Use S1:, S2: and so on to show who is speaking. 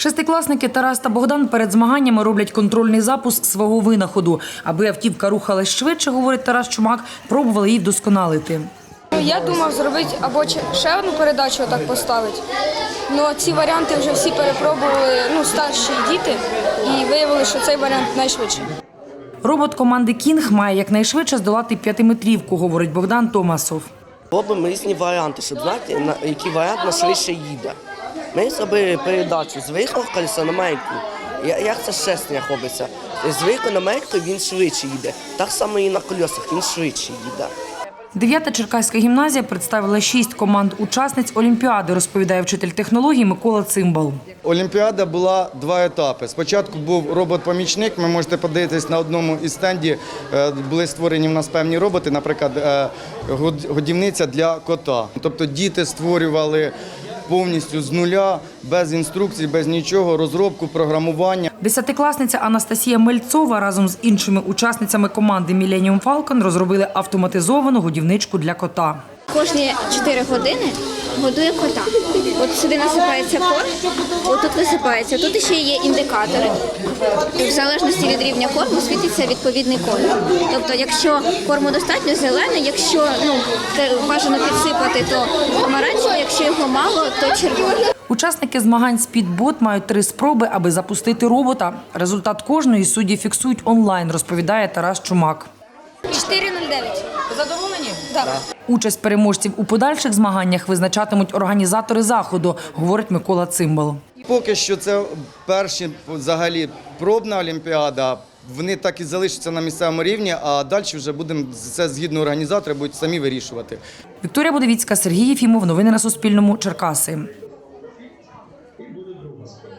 S1: Шестикласники Тарас та Богдан перед змаганнями роблять контрольний запуск свого винаходу. Аби автівка рухалась швидше, говорить Тарас Чумак, пробували її вдосконалити.
S2: Я думав зробити або ще одну передачу отак поставити. Але ці варіанти вже всі перепробували старші діти і виявили, що цей варіант найшвидший.
S1: Робот команди «Кінг» має якнайшвидше здолати 5-метрівку, говорить Богдан Томасов.
S3: Робимо різні варіанти, щоб знати, який варіант найшвидше їде. Ми зробили передачу з виїхав колеса на мейку. Як це щеснення робиться? З виїхав на мейку він швидше їде. Так само і на колесах він швидше їде.
S1: 9-та Черкаська гімназія представила 6 команд-учасниць Олімпіади, розповідає вчитель технологій Микола Цимбал.
S4: Олімпіада була 2 етапи. Спочатку був робот-помічник, ви можете подивитись, на одному із стендів були створені в нас певні роботи, наприклад, годівниця для кота. Тобто діти створювали повністю з нуля, без інструкцій, без нічого, розробку, програмування.
S1: 10-класниця Анастасія Мельцова разом з іншими учасницями команди «Millennium Falcon» розробили автоматизовану годівничку для кота.
S5: Кожні 4 години годує кота. От сюди насипається корм, отут висипається. Тут ще є індикатори. В залежності від рівня корму світиться відповідний колір. Тобто, якщо корму достатньо зелений, якщо бажано підсипати, то помаранчевий, якщо його мало, то червоний.
S1: Учасники змагань «Спідбот» мають 3 спроби, аби запустити робота. Результат кожної судді фіксують онлайн, розповідає Тарас Чумак.
S2: 4:09.
S1: Задоволені?
S2: Так.
S1: Участь переможців у подальших змаганнях визначатимуть організатори заходу, говорить Микола Цимбал.
S4: Поки що це перші взагалі пробна олімпіада. Вони так і залишаться на місцевому рівні, а далі вже будемо це згідно організатори будуть самі вирішувати.
S1: Вікторія Будовіцька, Сергій Єфімов. Новини на Суспільному. Черкаси.